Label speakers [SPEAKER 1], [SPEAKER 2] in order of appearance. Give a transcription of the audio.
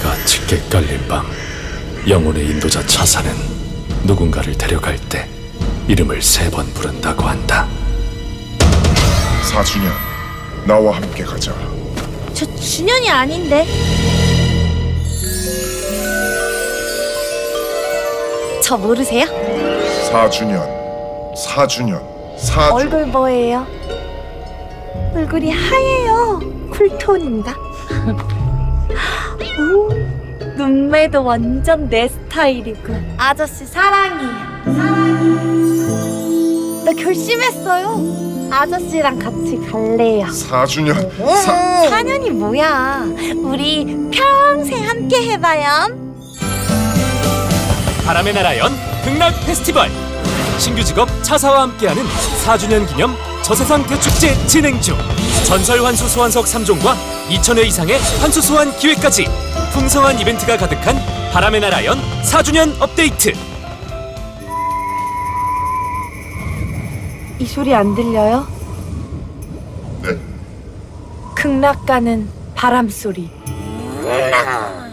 [SPEAKER 1] 해가 짙게 깔린 밤, 영혼의 인도자 차사는 누군가를 데려갈 때 이름을 3번 부른다고 한다.
[SPEAKER 2] 4주년, 나와 함께 가자.
[SPEAKER 3] 저 준현이 아닌데. 저 모르세요?
[SPEAKER 2] 4주년, 4주년.
[SPEAKER 3] 얼굴 뭐예요? 얼굴이 하얘요. 쿨톤인가? 오, 눈매도 완전 내 스타일이고. 아저씨 사랑해요. 나 결심했어요. 아저씨랑 같이 갈래요.
[SPEAKER 2] 4주년,
[SPEAKER 3] 4년이 뭐야? 우리 평생 함께 해봐요.
[SPEAKER 4] 바람의 나라 연 극락 페스티벌, 신규 직업 차사와 함께하는 4주년 기념 저세상 대축제 진행 중. 전설 환수 소환석 3종과 2,000회 이상의 환수 소환 기회까지 풍성한 이벤트가 가득한 바람의 나라 연 4주년 업데이트.
[SPEAKER 3] 이 소리 안 들려요?
[SPEAKER 2] 네.
[SPEAKER 3] 극락 가는 바람 소리.